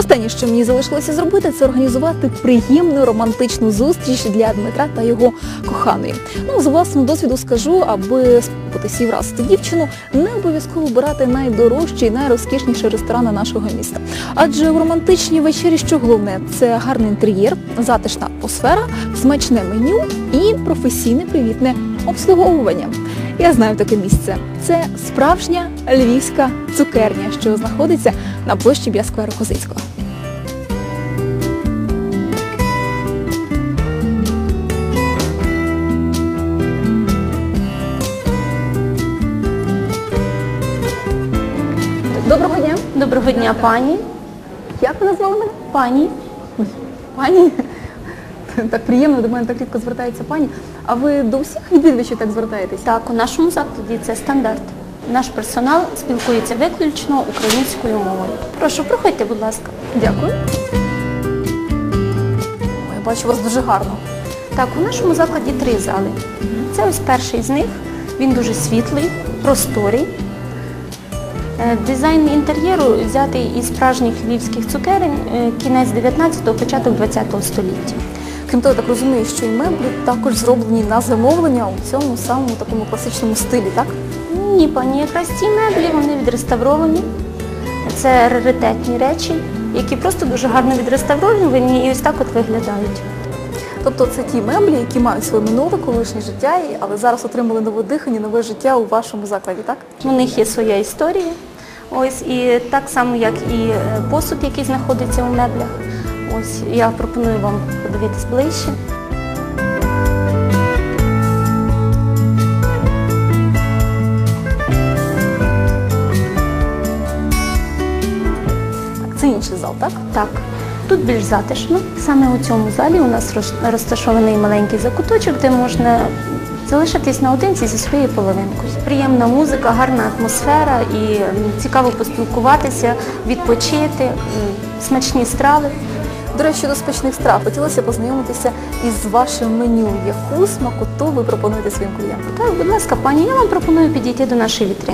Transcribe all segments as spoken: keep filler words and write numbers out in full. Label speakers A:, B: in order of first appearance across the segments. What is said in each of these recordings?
A: Останнє, що мені залишилося зробити, це організувати приємну романтичну зустріч для Дмитра та його коханої. Ну, з власного досвіду скажу, аби сподобатися і вразити дівчину, не обов'язково обирати найдорожчі і найрозкішніші ресторани нашого міста. Адже в романтичній вечері що головне? Це гарний інтер'єр, затишна атмосфера, смачне меню і професійне привітне обслуговування. Я знаю таке місце. Це справжня львівська цукерня, що знаходиться на площі біля скверу Козицького. Доброго дня.
B: Доброго дня, пані.
A: Як ви назвали мене?
B: Пані.
A: Пані? Так приємно, до мене так рідко звертається пані. А ви до всіх відвідувачів так звертаєтесь?
B: Так, у нашому закладі це стандарт. Наш персонал спілкується виключно українською мовою. Прошу, проходьте, будь ласка.
A: Дякую. Я бачу, у вас дуже гарно.
B: Так, у нашому закладі три зали. Це ось перший з них. Він дуже світлий, просторий. Е, Дизайн інтер'єру взятий із справжніх львівських цукерень, е, кінець дев'ятнадцятого, початок двадцятого століття.
A: Крім того, я так розумію, що і меблі також зроблені на замовлення у цьому самому такому класичному стилі, так?
B: Ні, пані, якраз ці меблі, вони відреставровані. Це раритетні речі, які просто дуже гарно відреставровані і ось так от виглядають.
A: Тобто це ті меблі, які мають своє минуле, колишнє життя, але зараз отримали нове дихання, нове життя у вашому закладі, так?
B: У них є своя історія. Ось, і так само, як і посуд, який знаходиться у меблях. Ось, я пропоную вам подивитись ближче.
A: Це інший зал, так?
B: Так. Тут більш затишно. Саме у цьому залі у нас розташований маленький закуточок, де можна залишитись наодинці зі своєю половинкою. Приємна музика, гарна атмосфера і цікаво поспілкуватися, відпочити, смачні страви.
A: До речі, до смачних страв хотілося познайомитися із вашим меню. Яку смакоту ви пропонуєте своїм клієнтам?
B: Так, будь ласка, пані, я вам пропоную підійти до нашої вітрини.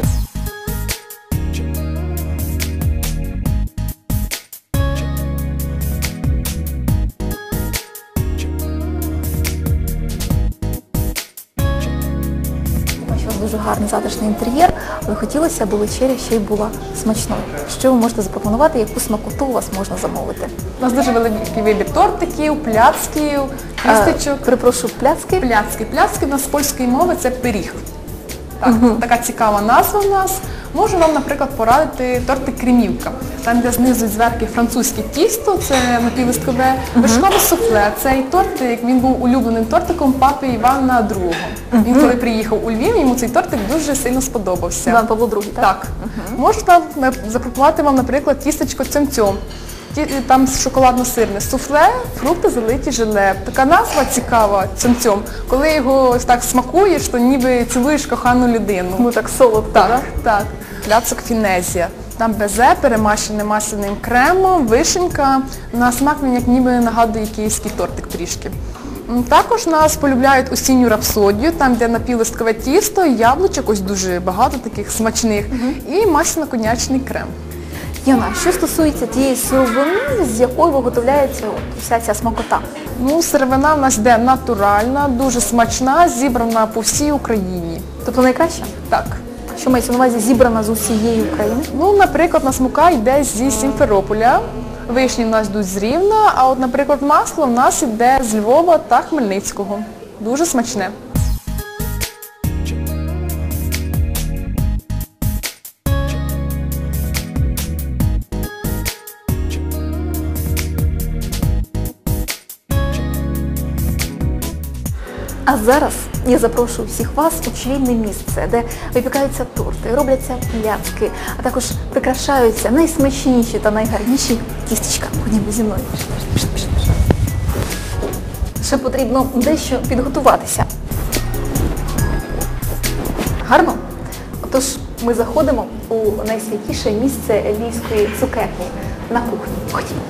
A: Дуже гарний затишний інтер'єр, але хотілося, аби вечеря ще й була смачною. Що ви можете запропонувати, яку смакоту у вас можна замовити?
C: У нас дуже великий вибір тортиків, пляцків, кістечок.
A: Перепрошую, пляцки?
C: Пляцки. Пляцки в нас з польської мови це пиріг. Так,
A: Угу.
C: Така цікава назва в нас. Можу вам, наприклад, порадити тортик кремівка. Там, де знизу і зверху французьке тісто, це напівлисткове, вишкове суфле. Цей тортик, він був улюбленим тортиком папи Івана другого. Угу. Він коли приїхав у Львів, йому цей тортик дуже сильно сподобався.
A: Іван Павло другий, так?
C: Так. Угу. Можу там запропонувати вам, наприклад, тістечко цьомцьом. Там шоколадно-сирне суфле, фрукти залиті желе. Така назва цікава цьомцьом. Коли його так смакуєш, то ніби цілуєш кохану людину.
A: Ну так солодко,
C: так?
A: Так,
C: так. Пляцок фінезія. Там безе, перемащене масляним кремом, вишенька. На смак він як ніби нагадує київський тортик трішки. Також нас полюбляють осінню рапсодію, там де напівлисткове тісто, яблучок, ось дуже багато таких смачних, угу. і масляно-конячний крем.
A: Яна, що стосується тієї сировини, з якою виготовляється вся ця смакота?
C: Ну, сировина в нас йде натуральна, дуже смачна, зібрана по всій Україні.
A: Тобто найкраща?
C: Так.
A: Що мається на увазі зібрана з усієї України?
C: Ну, наприклад, у нас мука йде зі Сімферополя, вишні в нас йдуть з Рівна, а от, наприклад, масло в нас йде з Львова та Хмельницького. Дуже смачне.
A: А зараз я запрошую всіх вас у чарівне місце, де випікаються торти, робляться пляцки, а також прикрашаються найсмачніші та найгарніші тістечка. Ходімо зі мною. Пішли, пішли, пішли. Ще потрібно дещо підготуватися. Гарно? Отож, ми заходимо у найсвятіше місце львівської цукерні – на кухню. Ходімо.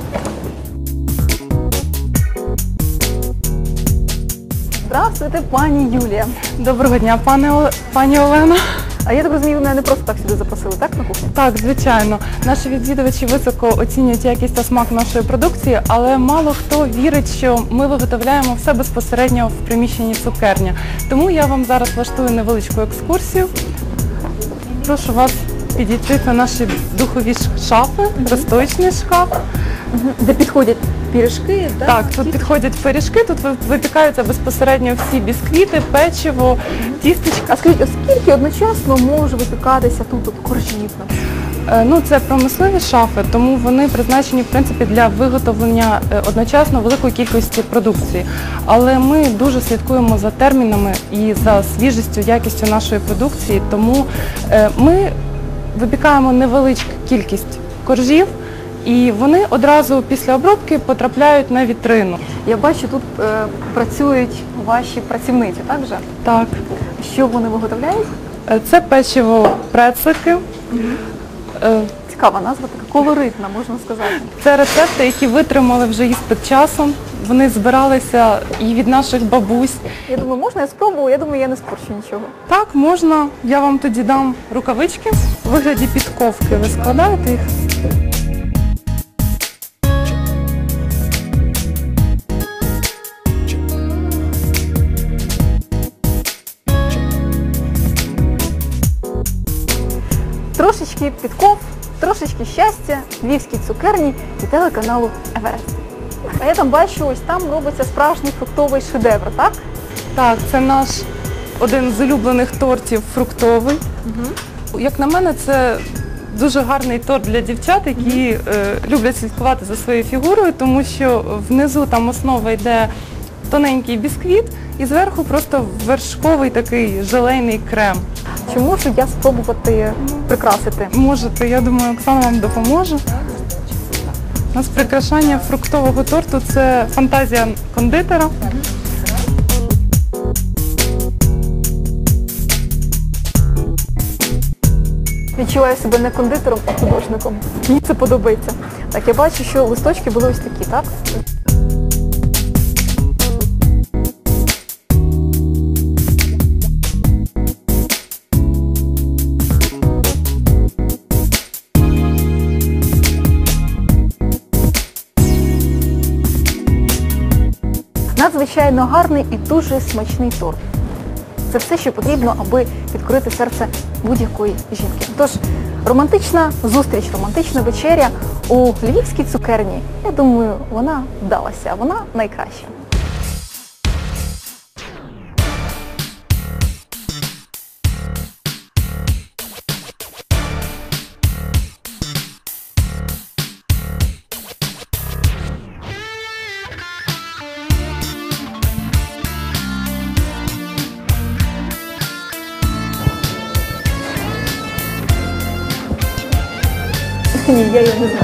A: Здравствуйте, пані Юлія.
D: Доброго дня, пане О- пані Олена.
A: А я так розумію, мене не просто так сюди запросили, так, на кухню?
D: Так, звичайно. Наші відвідувачі високо оцінюють якість та смак нашої продукції, але мало хто вірить, що ми виготовляємо все безпосередньо в приміщенні цукерня. Тому я вам зараз влаштую невеличку екскурсію. Прошу вас підійти до наші духові шафи, розстоячний шкаф.
A: Де підходять пірішки, так?
D: Так, тут підходять пиріжки, тут ви- випікаються безпосередньо всі бісквіти, печиво, тістечка.
A: А скажіть, оскільки одночасно може випікатися тут от коржів?
D: Е, Ну, це промислові шафи, тому вони призначені, в принципі, для виготовлення е, одночасно великої кількості продукції. Але ми дуже слідкуємо за термінами і за свіжістю, якістю нашої продукції, тому е, ми випікаємо невеличку кількість коржів, і вони одразу після обробки потрапляють на вітрину.
A: Я бачу, тут е, працюють ваші працівниці, так же?
D: Так.
A: Що вони виготовляють?
D: Е, Це печиво прецики. Е,
A: Цікава назва, така колоритна, можна сказати.
D: Це рецепти, які витримали вже іспит часом. Вони збиралися і від наших бабусь.
A: Я думаю, можна я спробую? Я думаю, я не спорчу нічого.
D: Так, можна. Я вам тоді дам рукавички. У вигляді підковки ви складаєте їх.
A: Трошечки підков, трошечки щастя, львівській цукерні і телеканалу Еверест. А я там бачу, ось там робиться справжній фруктовий шедевр, так?
D: Так, це наш один з улюблених тортів фруктовий. Як на мене, це дуже гарний торт для дівчат, які е, люблять слідкувати за своєю фігурою, тому що внизу там основа йде тоненький бісквіт і зверху просто вершковий такий желейний крем.
A: Чи можу я спробувати прикрасити?
D: Можете, я думаю, Оксана вам допоможе. У нас прикрашання фруктового торту – це фантазія кондитера.
A: Відчуваю себе не кондитером, а художником. Мені це подобається. Так, я бачу, що листочки були ось такі, так? Надзвичайно гарний і дуже смачний торт. Це все, що потрібно, аби підкорити серце будь-якої жінки. Тож, романтична зустріч, романтична вечеря у львівській цукерні. Я думаю, вона вдалася, вона найкраща. Ні, я її не знаю.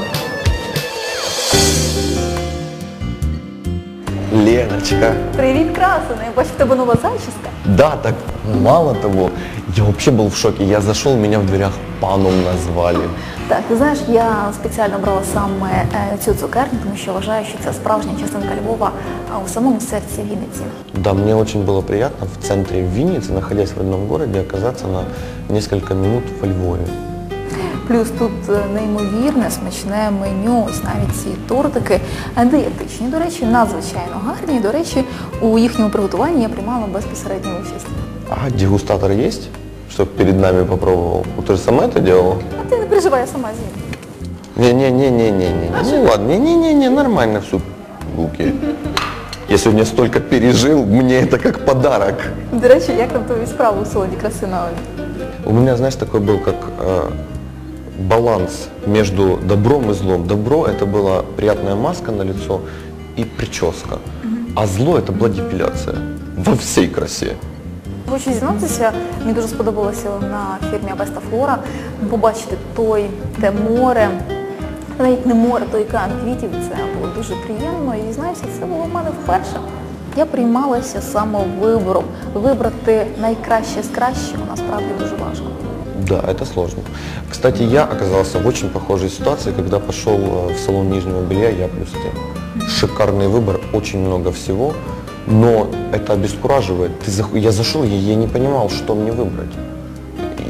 E: Леночка.
A: Привіт, красуне. Я бачу, в тебе нова зачіска.
E: Да, так мало того, я вообще был в шоке. Я зашел, меня в дверях паном назвали.
A: Так, ти знаєш, я спеціально брала саме е, цю цукерню, тому що вважаю, що це справжня частинка Львова, а у самому серці Вінниці.
E: Да, мне очень было приятно в центре Винницы, находясь в родном городе, оказаться на несколько минут во Львове.
A: Плюс тут е, неймовірне, смачне меню, ось навіть ці тортики е, дієтичні. До речі, надзвичайно гарні. До речі, у їхньому приготуванні я приймала безпосередню участь.
E: А дегустатор есть, чтобы перед нами попробовал? Вот ты же сама это делала?
A: А ти не переживай, я сама з'їм.
E: Не-не-не-не-не-не. Ну ладно, не-не-не-не, нормально все. Окей. Я сегодня столько пережил, мне это как подарок.
A: До речі, як там тобі справа у солоді краси на Олі?
E: У меня, знаешь, такой был как э, баланс между добром и злом. Добро – это была приятная маска на лицо и прическа, а зло – это была депиляция во всей красе.
A: Хочу зізнатися, мені дуже сподобалося на фірмі Абеста Флора побачити той, те море, навіть не море, той океан квітів. Це було дуже приємно і, знаюся, це було в мене вперше. Я приймалася самовибором. Вибрати найкраще з кращого насправді дуже важко.
E: Да, это сложно. Кстати, я оказался в очень похожей ситуации, когда пошел э, в салон нижнего белья «Я плюс ты». Шикарный выбор, очень много всего, но это обескураживает. Ты зах... Я зашел, я, я не понимал, что мне выбрать.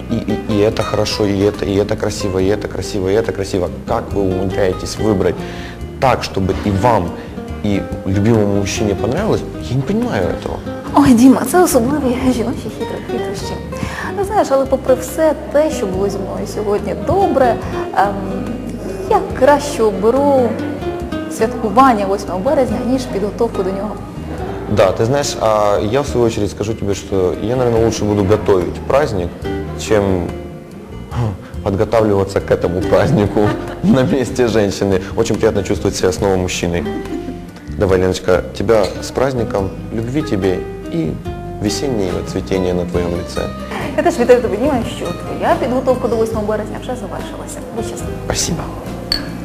E: и, и, и это хорошо, и это, и это красиво, и это красиво, и это красиво. Как вы умудряетесь выбрать так, чтобы и вам, и любимому мужчине понравилось, я не понимаю этого.
A: Ой, Діма, це особливі жіночі хитро- хитрощі. Ну, знаєш, але попри все те, що було зі мною сьогодні добре, ем, я краще оберу святкування восьмого березня, ніж підготовку до нього.
E: Да, ты знаешь, а я в свою очередь скажу тебе, что я, наверное, лучше буду готовить праздник, чем подготавливаться к этому празднику на месте женщины. Очень приятно чувствовать себя снова мужчиной. Давай, Леночка, тебя с праздником, любви тебе и весеннего цветения на твоем лице.
A: Я теж вітаю тебе, Діма, що твоя підготовка до восьмого березня вже завершилася. Будь щасливий.
E: Спасибо.